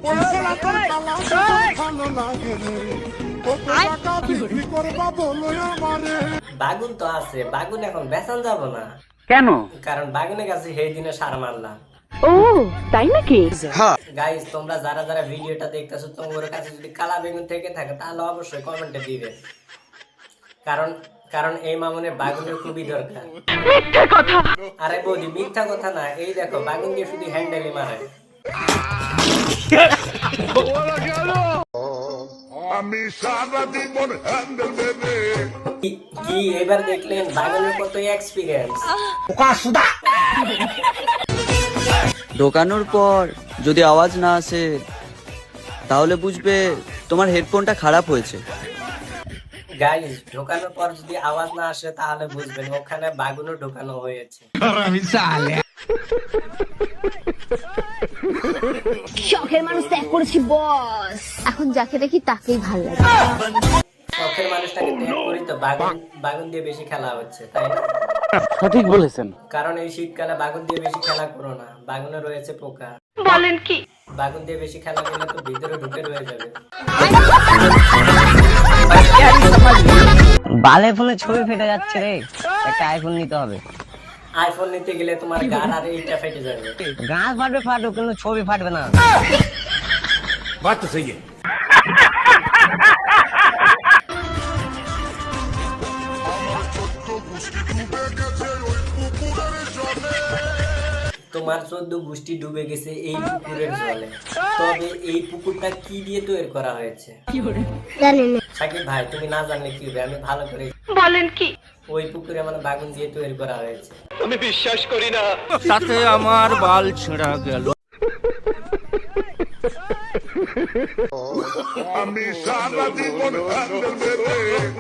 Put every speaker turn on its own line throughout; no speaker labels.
বাগুন তো আছে, বাগুন এখন বেচান যাব না।
কেন?
কারণ বাগুনের কাছে সেই দিনে সার মারলাম।
ও তাই নাকি?
গাইস, তোমরা যারা যারা ভিডিওটা দেখতেছো, তোমাদের কাছে যদি কালা বেগুন থেকে থাকে তাহলে অবশ্যই কমেন্টে দিবে। কারণ কারণ এই মামুনের বাগুনের খুবই দরকার।
মিথ্যা কথা।
আরে বৌদি, মিথ্যা কথা না, এই দেখো বাগুন দিয়ে শুধু হ্যান্ডেলই মারে।
আমি সারা জীবন হ্যান্ডেল দেবে।
কি এবার দেখলেন বাগুনের কত এক্সপিরিয়েন্স।
ঢোকানোর পর যদি আওয়াজ না আসে তাহলে বুঝবে তোমার হেডফোনটা খারাপ হয়েছে।
গাইস, ঢোকানোর পর যদি আওয়াজ না আসে তাহলে বুঝবেন ওখানে বাগুনও ঢোকানো হয়েছে।
শখের মানুষ ত্যাগ করেছি বস, এখন যাকে দেখি তাকেই ভালো লাগে।
শখের মানুষটাকে ত্যাগ করি তো বাগুন দিয়ে বেশি খেলা হচ্ছে, তাই না?
সঠিক বলেছেন।
কারণ এই শীতকালে বাগুন দিয়ে বেশি খেলা করো না, বাগুনে রয়েছে পোকা।
বলেন কি?
বাগুন দিয়ে বেশি খেলা করলে তো ভিতরে ঢুকে রয়ে যাবে।
বালে ফোনে ছবি ফেটে যাচ্ছে রে, একটা আইফোন নিতে হবে।
আইফোন নিতে গেলে তোমার গান আর এইটা ফেটে যাবে।
গাছ ফাটবে ফাটুক, কিন্তু ছবি ফাটবে না।
বাত তো সহি
তোমার 14 গোষ্ঠী ডুবে গেছে এই পুকুরের জলে। তবে এই পুকুরটা কি দিয়ে তৈরি করা হয়েছে? সাকিব ভাই, তুমি না জানলে কি হবে, আমি ভালো করে।
বলেন কি?
ওই পুকুরে মানে বাগুন দিয়ে তৈরি করা হয়েছে।
সাথে আমার বাল ছেঁড়া গেল।
আমি সারা জীবন হ্যান্ডেল দেবে।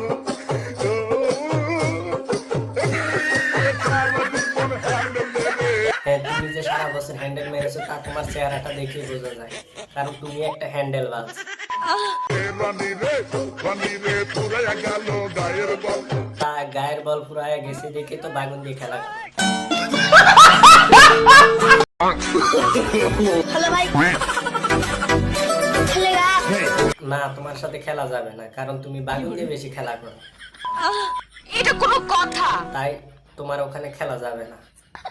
হ্যাঁ, তুমি যে সারা বছর হ্যান্ডেল মেরেছো তা তোমার চেহারাটা দেখে বোঝা যায়, কারণ তুমি একটা হ্যান্ডেল বাজ।
রানী রে পুরাইয়া গেল গায়ের বল।
তা গায়ের বল ফুরায় গেছে দেখে তো বাগুন দিয়ে খেলা করে। না, তোমার সাথে খেলা যাবে না, কারণ তুমি বাগুন দিয়ে বেশি খেলা করো।
এটা কোনো কথা?
তাই তোমার ওখানে খেলা যাবে না।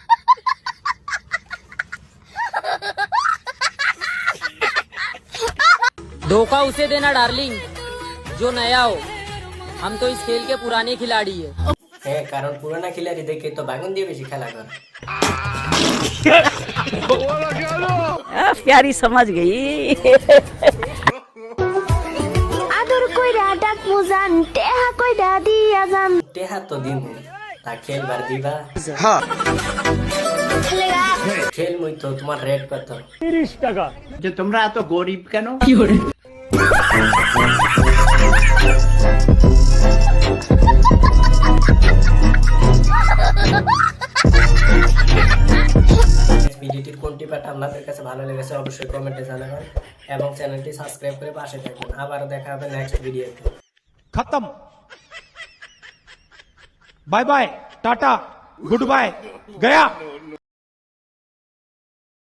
धोखा उसे देना डार्लिंग जो नया हो, हम तो इस खेल के पुराने खिलाड़ी है।
হ্যাঁ, কারণ পুরোনো খিলাড়ি দেখে তো বাগুন দিয়ে বেশি খেলা করে।
प्यारी समझ गई।
আদর কইরা ডাক মুজান, টেহা কইরা দিয়া যান।
টেহা তো দিমু, তা খেলবার দিবা? খেল মুই তো, তোমার রেট কত?
30 টাকা। যে তোমরা এত গরিব কেন?
ভিডিওটির কোনটি পার্ট আপনাদের কাছে ভালো লেগেছে অবশ্যই কমেন্টে জানাবেন এবং চ্যানেলটি সাবস্ক্রাইব করে পাশে থাকবেন। আবারও দেখা হবে নেক্সট ভিডিওতে।
खत्म। Bye bye, tata, goodbye, गया।